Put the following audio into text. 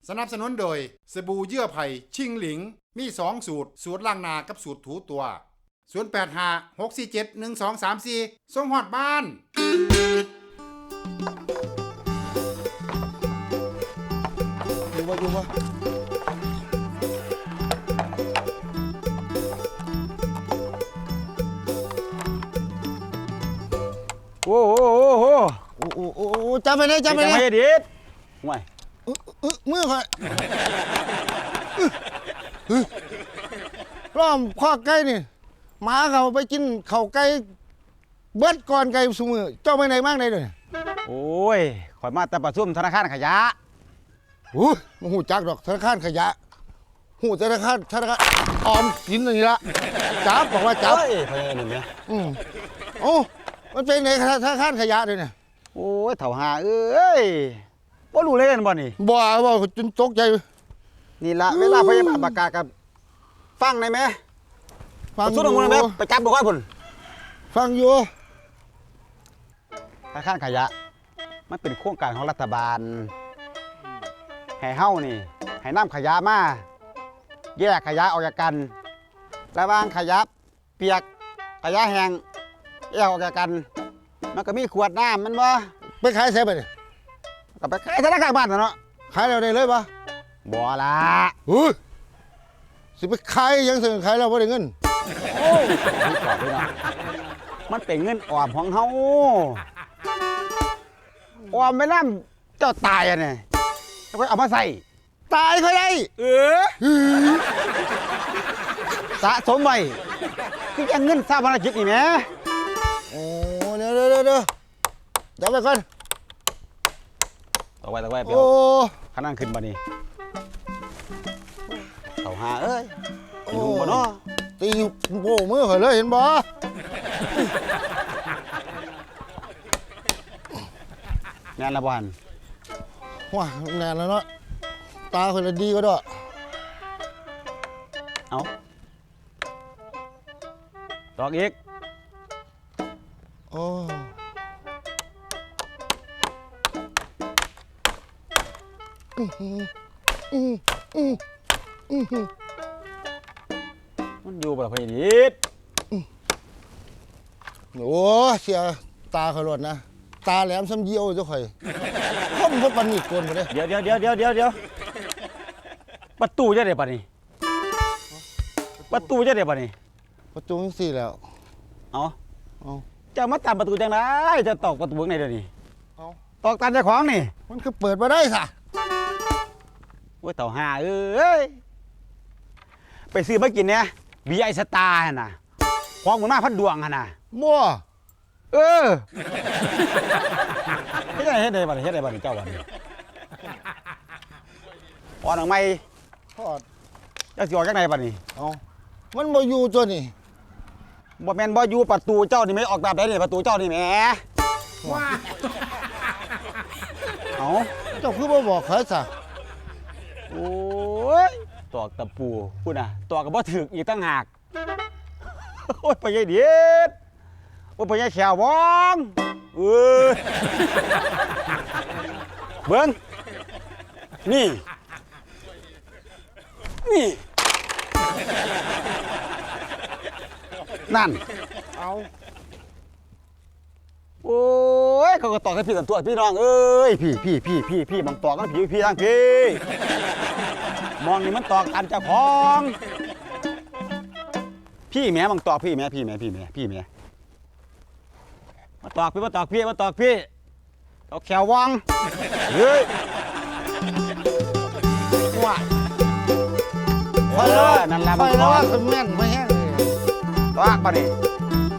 สนับสนุนโดยสบู่เยื่อไผ่ชิงหลิงมี2สูตรล้างหน้ากับสูตรถูตัว0856471234ส่งฮอดบ้านอยู่วะโอ้โหโอ้จำไปเลยไม่ดิดห่วยมือค่อยล้อมข้อไก่นี่หมาเขาไปกินเข่าไก่เบิดก่อนไก่สูมือเจ้าไปไหนบ้างไหนเลยโอ้ยข่อยมาแต่ประชุมธนาคารขยะมันหูจักดอกธนาคารขยะหูธนาคารออมสินนี่ละจับบอกว่าจับพยายามเนี่ยโอ้มันเป็นไงธนาคารขยะเลยเนี่ยโอ้ยเถ่าหาเอ้ยบ่รู้เลยกันบ่นี่บ่จนตกใจนี่ละเวลาพยาบาลประกาศกับฟังได้ไหมฟังสุดลงมาไปจับบอกว่าพุ่นฟังอยู่ธนาคารขยะมันเป็นโครงการของรัฐบาลให้เฮ้านี่ให้นำขยะมาแยกขยะออกจากกันระหว่างขยะเปียกขยะแห้งแยกออกจากกันมันก็มีขวดน้ำมันบ่ไปขายเสร็จไปเนี่ยก็ไปขายธนาคารบ้านเนาะขายเราได้เลยปะบ่ละสิไปขายยังเสนอขายเราไม่ได้เงินโอ้ยมันเป็นเงินออมของเฮาออมไม่ล่ำเจ้าตายอ่ะเนี่ยแล้วก็เอามาใส่ตายค่อยได้สะสมไว้คือยังเงินสร้างภารกิจนี่แหมโอ้เดี๋ยวไปก่อนต่อไปเปียวข้านั่งขึ้นมานี่เต่าหาเอ้ยตีหูบ่เนาะตีโป้มือข่อยเลยเห็นบ่งานละวันว้าแน่แล้วเนาะตาคนละดีก็ด้วยเอาตอกอีกโอ้มันอยู่แบบพี่ดิดโอ้เสียตาขลุ่นนะตาแหลมซ้ำเยี่ยวเจ้าข่อยพ่มพดปันนี่กวนไปเลยเดี๋ยวประตูจะได้ปะนี่ประตูจะได้ปะนี่ประตูสี่แล้วเอาจะมาตัดประตูจังไรจะตอกประตูไหนเดี๋ยวนี้ตอกตันเจ้าของนี่มันคือเปิดมาได้ค่ะว่าเต่าห่าเอ้ยไปซื้อมากินเนี่ยบีไอสตาร์น่ะของหมุนมาพัดดวงน่ะมั่วเฮ็ดได้บัดเจ้าบัดพอหนังไม่ทอดจะสิออกจากไหนบัดนี้มันบ่อยู่ตัวนี่บ่แม่นบ่อยู่ประตูเจ้านี่ไม่ออกแบบได้นี่ประตูเจ้านี่แหมเจ้าคือบ่บอกเขาซะโอ้ยตอกตะปูพูดน่ะตอกกับบ่ถึกอีกตั้งหากโอ้ยไปยัยเด็ดโอ้ยไปยัยแขวบ้องเบิ้งนี่นั่นโอ้ยเขาก็ตอกให้พี่กันตัวพี่น้องเอ้ยพี่มองตอกกันพี่ทางพี่มองนี่มันตอกอันเจ้าของพี่แม่มองตอกพี่แม่มาตอกพี่ตอกแขววังเฮ้ยว่านั่นแหละมันตอกแม่นไม่แห้งตอกปะนี่